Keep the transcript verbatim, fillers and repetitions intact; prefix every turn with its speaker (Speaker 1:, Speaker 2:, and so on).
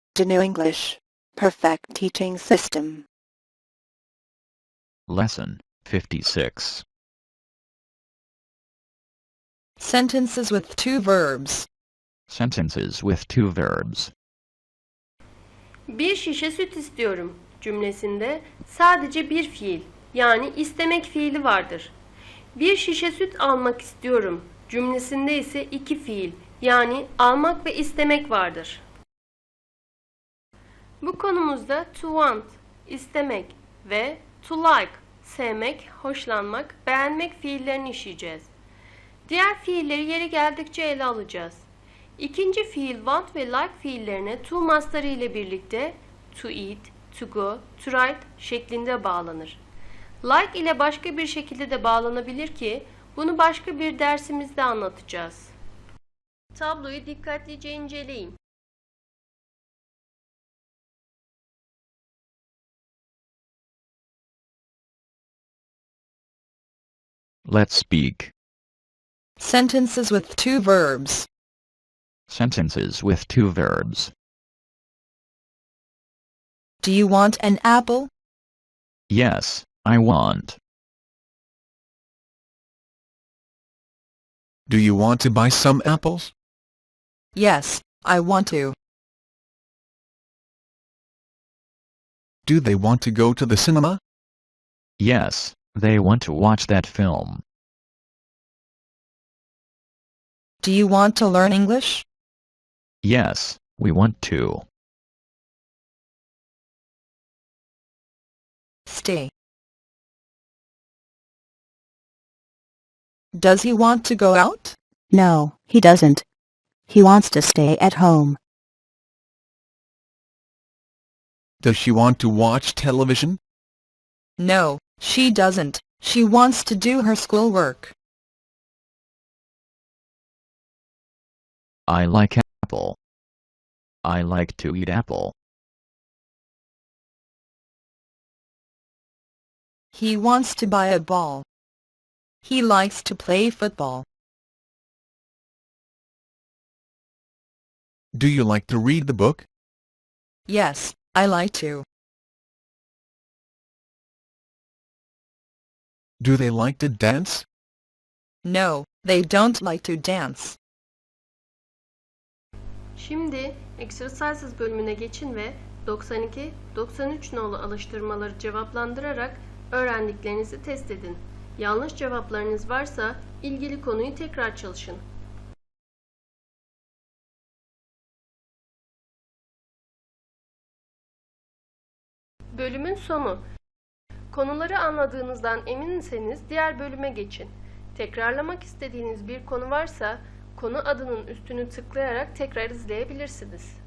Speaker 1: Gnu English. Perfect teaching system.
Speaker 2: Lesson fifty-six.
Speaker 3: Sentences with two verbs.
Speaker 2: Sentences with two verbs.
Speaker 4: Bir şişe süt istiyorum cümlesinde sadece bir fiil, yani istemek fiili vardır. Bir şişe süt almak istiyorum cümlesinde ise iki fiil, yani almak ve istemek vardır. Bu konumuzda to want, istemek ve to like, sevmek, hoşlanmak, beğenmek fiillerini işleyeceğiz. Diğer fiilleri yeri geldikçe ele alacağız. İkinci fiil want ve like fiillerine to mastarı ile birlikte to eat, to go, to write şeklinde bağlanır. Like ile başka bir şekilde de bağlanabilir ki bunu başka bir dersimizde anlatacağız. Tabloyu dikkatlice inceleyin.
Speaker 2: Let's speak.
Speaker 3: Sentences with two verbs.
Speaker 2: Sentences with two verbs.
Speaker 3: Do you want an apple?
Speaker 2: Yes, I want.
Speaker 5: Do you want to buy some apples?
Speaker 3: Yes, I want to.
Speaker 5: Do they want to go to the cinema?
Speaker 2: Yes, they want to watch that film.
Speaker 3: Do you want to learn English?
Speaker 2: Yes, we want to.
Speaker 3: Stay. Does he want to go out?
Speaker 1: No, he doesn't. He wants to stay at home.
Speaker 5: Does she want to watch television?
Speaker 3: No, she doesn't. She wants to do her schoolwork.
Speaker 2: I like apple. I like to eat apple.
Speaker 3: He wants to buy a ball. He likes to play football.
Speaker 5: Do you like to read the book?
Speaker 3: Yes, I like to.
Speaker 5: Do they like to dance?
Speaker 3: No, they don't like to dance.
Speaker 4: Şimdi Exercises bölümüne geçin ve doksan iki doksan üç nolu alıştırmaları cevaplandırarak öğrendiklerinizi test edin. Yanlış cevaplarınız varsa ilgili konuyu tekrar çalışın. Bölümün sonu. Konuları anladığınızdan eminseniz diğer bölüme geçin. Tekrarlamak istediğiniz bir konu varsa konu adının üstünü tıklayarak tekrar izleyebilirsiniz.